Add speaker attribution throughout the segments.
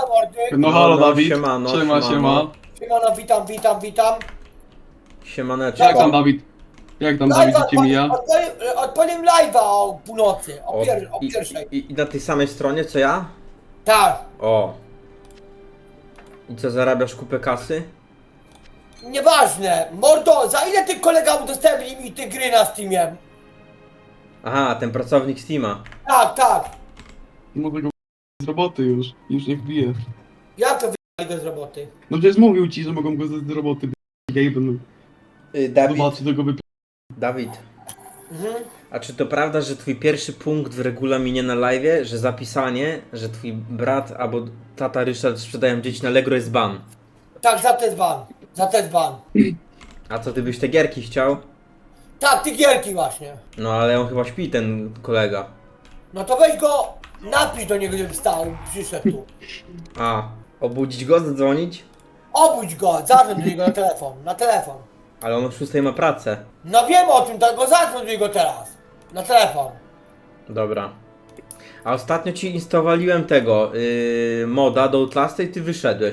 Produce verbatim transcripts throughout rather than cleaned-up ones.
Speaker 1: mordy.
Speaker 2: No halo
Speaker 3: no,
Speaker 2: Dawid,
Speaker 3: siemano,
Speaker 2: siema,
Speaker 3: siemano.
Speaker 2: siema.
Speaker 1: Siemano, witam, witam, witam.
Speaker 3: Siemaneczko.
Speaker 2: Jak tam Dawid? Jak tam Dawid życie mija?
Speaker 1: Odpaliłem odpaliłem live'a o północy, o,
Speaker 3: O,
Speaker 1: pier, o
Speaker 3: i,
Speaker 1: pierwszej.
Speaker 3: i, I na tej samej stronie co ja?
Speaker 1: Tak.
Speaker 3: O. I co, zarabiasz kupę kasy?
Speaker 1: Nieważne. Mordo, za ile ty kolega udostępni mi te gry na Steamie?
Speaker 3: Aha, ten pracownik Steama.
Speaker 1: Tak, tak.
Speaker 2: Mogę go z roboty już, już niech bije.
Speaker 1: Jak to wyjechali go z roboty?
Speaker 2: No przecież mówił ci, że mogą go z z roboty b***ć, no.
Speaker 3: Y, Dawid,
Speaker 2: Zobaczy, to go wyp...
Speaker 3: Dawid,
Speaker 1: Mhm.
Speaker 3: a czy to prawda, że twój pierwszy punkt w regulaminie na live'ie, że zapisanie, że twój brat albo tata Ryszard sprzedają dzieci na Allegro jest ban?
Speaker 1: Tak, za ten ban. Za ten ban.
Speaker 3: A co, ty byś te gierki chciał?
Speaker 1: Tak, ty gierki właśnie.
Speaker 3: No ale on chyba śpi, ten kolega.
Speaker 1: No to weź go, napisz do niego, żeby wstał, przyszedł tu.
Speaker 3: A, obudzić go, zadzwonić?
Speaker 1: Obudź go, zadzwoń do niego na telefon, na telefon.
Speaker 3: Ale on o szóstej ma pracę.
Speaker 1: No wiem o tym, tak go zadzwoń do niego teraz. Na telefon.
Speaker 3: Dobra. A ostatnio ci instalowaliłem tego, yy, moda do Outlasta i ty wyszedłeś.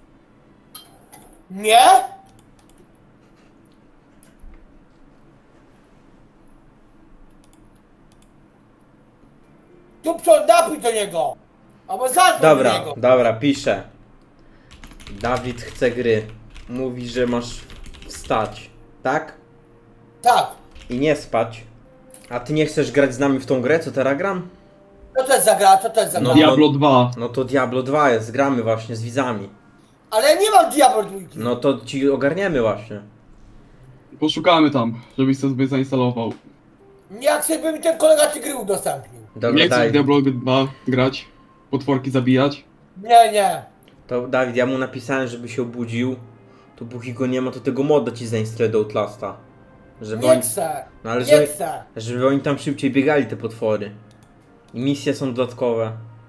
Speaker 1: Nie? Tu co, napisz do niego. Albo zadzwoń do
Speaker 3: Dobra,
Speaker 1: niego.
Speaker 3: dobra, piszę. Dawid chce gry. Mówi, że masz wstać, tak?
Speaker 1: Tak.
Speaker 3: I nie spać. A ty nie chcesz grać z nami w tą grę, co teraz gram?
Speaker 1: Co to jest za gra, co to jest za gra?
Speaker 3: No.
Speaker 2: Diablo dwa.
Speaker 3: No to Diablo dwa jest, gramy właśnie z widzami.
Speaker 1: Ale ja nie mam Diablo dwójki.
Speaker 3: No to ci ogarniemy właśnie.
Speaker 2: Poszukamy tam, żebyś sobie zainstalował.
Speaker 1: Nie jak sobie mi ten kolega te gry udostępnił.
Speaker 3: Dobra,
Speaker 2: Nie chcesz
Speaker 3: daj.
Speaker 2: w Diablo dwa grać, potworki zabijać.
Speaker 1: Nie, nie.
Speaker 3: To Dawid, ja mu napisałem, żeby się obudził. To póki go nie ma, to tego moda ci zainstaluję do Outlasta. Żeby
Speaker 1: Nie
Speaker 3: oni,
Speaker 1: chcę.
Speaker 3: no ale
Speaker 1: Nie
Speaker 3: żeby,
Speaker 1: chcę.
Speaker 3: żeby oni tam szybciej biegali, te potwory. I misje są dodatkowe.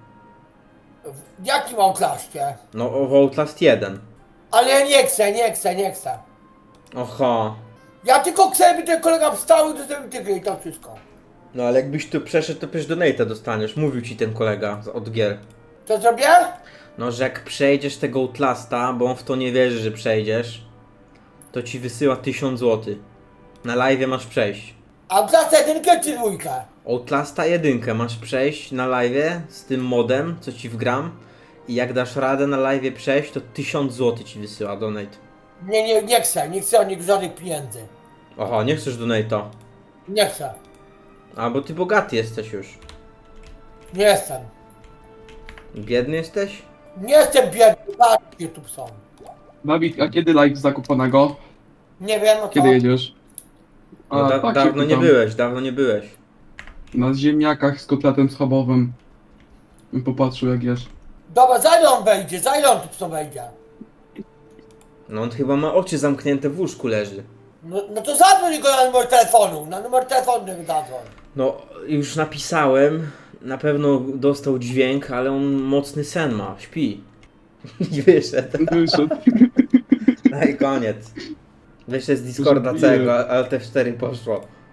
Speaker 1: W jakim outlaście?
Speaker 3: No o Outlast jeden.
Speaker 1: Ale ja nie chcę, nie chcę, nie chcę.
Speaker 3: Oho.
Speaker 1: Ja tylko chcę, żeby ten kolega wstał i udostępnił te gry i to wszystko.
Speaker 3: No ale jakbyś tu przeszedł, to przecież donate'a dostaniesz. Mówił ci ten kolega z- od gier.
Speaker 1: Co zrobię?
Speaker 3: No, że jak przejdziesz tego Outlasta, bo on w to nie wierzy, że przejdziesz, to ci wysyła tysiąc złotych. Na live masz przejść.
Speaker 1: A klasa jedynkę czy dwójkę?
Speaker 3: Outlasta jedynkę masz przejść na live z tym modem, co ci wgram. I jak dasz radę na live przejść, to tysiąc złotych ci wysyła donate.
Speaker 1: Nie, nie, nie chcę, nie chcę od nich żadnych pieniędzy.
Speaker 3: Oho, nie chcesz donate'a.
Speaker 1: Nie chcę.
Speaker 3: A, bo ty bogaty jesteś już.
Speaker 1: Nie jestem.
Speaker 3: Biedny jesteś?
Speaker 1: Nie jestem biedny, patrzcie tu są.
Speaker 2: Dawid, a kiedy live zakuponego?
Speaker 1: Nie wiem o co.
Speaker 2: Kiedy jedziesz? A,
Speaker 3: No, da
Speaker 2: tak się
Speaker 3: dawno nie
Speaker 2: pytam.
Speaker 3: byłeś, dawno nie byłeś.
Speaker 2: Na ziemniakach z kotletem schabowym. Bym popatrzył jak jesz.
Speaker 1: Dobra, za ile on wejdzie? Za ile on tu co wejdzie?
Speaker 3: No on chyba ma oczy zamknięte, w łóżku leży.
Speaker 1: No, no to zadzwoń go na numer telefonu. Na numer telefonu nie zadzwoń.
Speaker 3: No, już napisałem. Na pewno dostał dźwięk, ale on mocny sen ma, śpi. I wyszedł.
Speaker 2: Wyszedł.
Speaker 3: No i koniec. Wyszedł z Discorda
Speaker 2: Bije.
Speaker 3: całego, ale te cztery poszło.